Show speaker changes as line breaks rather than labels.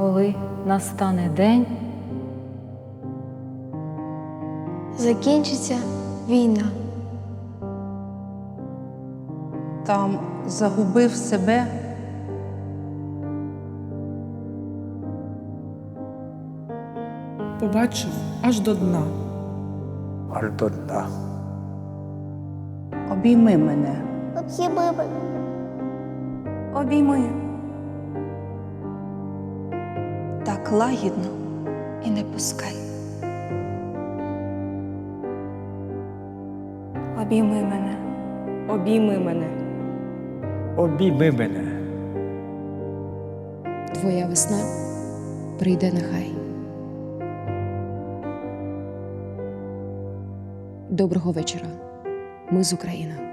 коли настане день,
закінчиться війна.
Там загубив себе,
побачив аж до дна.
аж до дна.
обійми мене.
Обійми. Так лагідно і не пускай. Обійми мене.
Обійми мене.
Обійми мене.
Твоя весна прийде нехай. Доброго вечора. Ми з України.